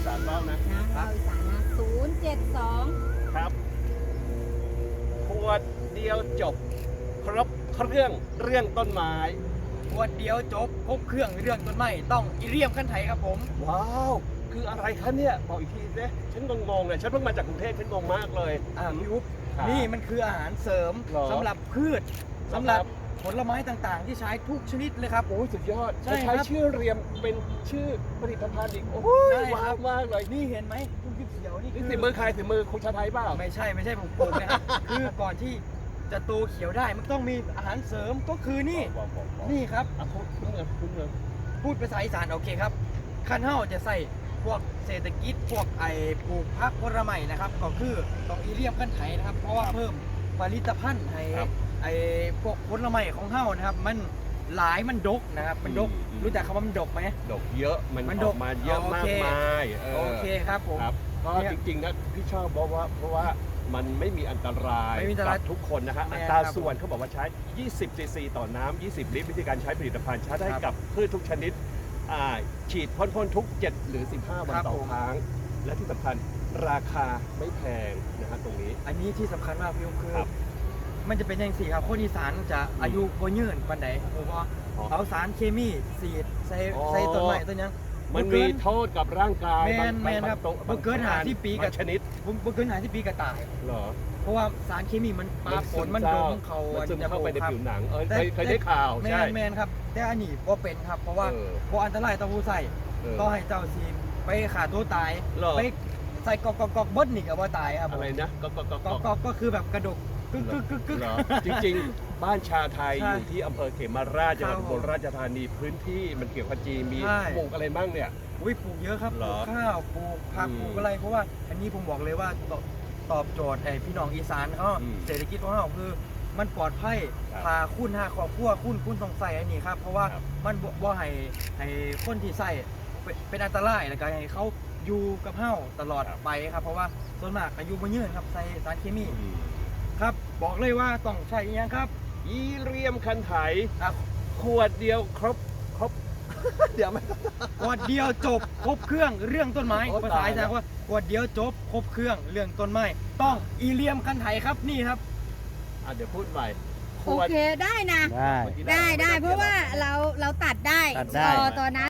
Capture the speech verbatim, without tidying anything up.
สานบ้างนะนะเราอีสานนะศูนย์เจ็ดสองครับขวดเดียวจบครบเครื่องเรื่องต้นไม้ขวดเดียวจบครบเครื่องเรื่องต้นไม้ต้องอีเรียมขั้นไถครับผมว้าวคืออะไรคะเนี่ยบอกอีกทีสิฉันงงๆเลยฉันเพิ่งมาจากกรุงเทพฉันงงมากเลยอ่าพี่อุ๊บครับนี่มันคืออาหารเสริมหรอสำหรับพืชครับสำหรับผลไม้ต่างๆ ที่ใช้ทุกชนิดเลยครับโอ้ยสุดยอดใช่จะใช้ครับชื่อเรียมเป็นชื่อผลิตภัณฑ์อีกโอ้ยใช่ว้าครัวบมากเลยนี่เห็นไหมทุกเขียวๆนี่นี่คือสิมือใครสิมือคุณชาไทยเปล่าไม่ใช่ไม่ใช่ผมปลูกนะครับ คือก่อนที่จะโตเขียวได้มันต้องมีอาหารเสริมก็คือนี่บอกบอกบอกนี่ครับอ่ะคุณคุณเงินคุณเงินพูดภาษาอีสานโอเคครับขั้นเฮาจะใส่พวกเศรษฐกิจพวกไอ้ปลูกพักผลไม้นะครับก็คือต้องอีเลียมขั้นไถนะครับ เพราะว่าเพิ่มผลิตภัณฑ์ให้ไอ้พวกผลไม้ของเฮานะครับ มันหลายมันดกนะครับ มันดกรู้จักคำว่ามันดกไหมดอกเยอะมันมันอดอก กมาเยอะโอมาเคกมายเออโอเคครับผมครับก็เนี่ยจริงๆนะพี่ชอบเพราะว่าเพราะว่ามันไม่มีอันตรายไม่มีอันตรายกับทุกคนนะฮะแน่อัตราครับส่วนเขาบอกว่าใช้ ยี่สิบ ซีซี ต่อน้ำ ยี่สิบ ลิตร วิธีการใช้ผลิตภัณฑ์ใช้ได้ครับกับพืชทุกชนิดอ่าฉีดพ่นๆทุก เจ็ด หรือ สิบห้า วันครับต่อผมครั้ง และที่สำคัญราคาไม่แพงนะฮะตรงนี้อันนี้ที่สำคัญมากพี่อุ๊บคือครับมันจะเป็นอย่างสี่ครับคนอีสานจะอายุบ่ยืนปานใดเพราะว่าอ๋อเอาสารเคมีสีดใส่อ๋อใส่ต้นไม้ต้นหยังมันมีโทษกับร่างกายแมนบางแมนครับบางบ่เกินหาที่ปีกับบางชนิดผมบ่เกินหาที่ปีกระต่ายเหรอเพราะว่าสารเคมีมันปาฝนมันดมเขามันซึมเข้าไปในครับผิวหนังเออแต่เคยเคยได้ข่าวแมใช่นแมนครับ แต่อันนี้บ่เป็นครับ เพราะว่าเออบ่อันตรายต่อผู้ใส่เออก็ให้เจ้าซีไปขาตัวตายเหรอไปใส่กอกกอกกอกเบิ้ลนี่ก็บ่ตายครับผมอะไรนะก็ก็ก็กอกกอกก็คือแบบกระดกกึกกึกกึกกึกเหรอจริงๆ บ้านชาไทยใช่อยู่ที่อำเภอเขมราชจังหวัดครับอุบลราชธานีพื้นที่มันเกี่ยวกับจีนมีใช่ปลูกอะไรบ้างเนี่ยอุ้ยปลูกเยอะครับเหรปลูอกข้าวปลูกผักอืมปลูกอะไรเพราะว่าอันนี้ผมบอกเลยว่าตอบตอบโจทย์ไอ้พี่น้องอีสานเขาอืมเศรษฐกิจของเขาคือมันปลอดภัยครับพาคุณหาครอบครัวคุณคุณต้องใส่อันนี้ครับเพราะว่าครับมันบ่บ่ให้ให้คนที่ใส่เป็นเป็นอันตรายแล้วก็ให้เขาอยู่กับเฮาตลอดไปครับเพราะว่าส่วนมากอายุบ่ยืนครับใส่สารเคมีอืมครับบอกเลยว่าต้องใช้อีหยังครับอีเรียมคันไถอ่ะขวดเดียวครบครบ เดี๋ยวไม่ขวดเดียวจบครบเครื่องเรื่องต้นไม้โอ้ภาษาตายอีแล้สานวว่าขวดเดียวจบครบเครื่องเรื่องต้นไม้ต้องอีเลียมคันไถครับนี่ครับอ่ะเดี๋ยวพูดใหม่ขโอวดเคได้นะได้เมื่อกี้ได้ได้ม่เพราะว่าเราเราตัดได้ตัดได้ตอตอนนั้น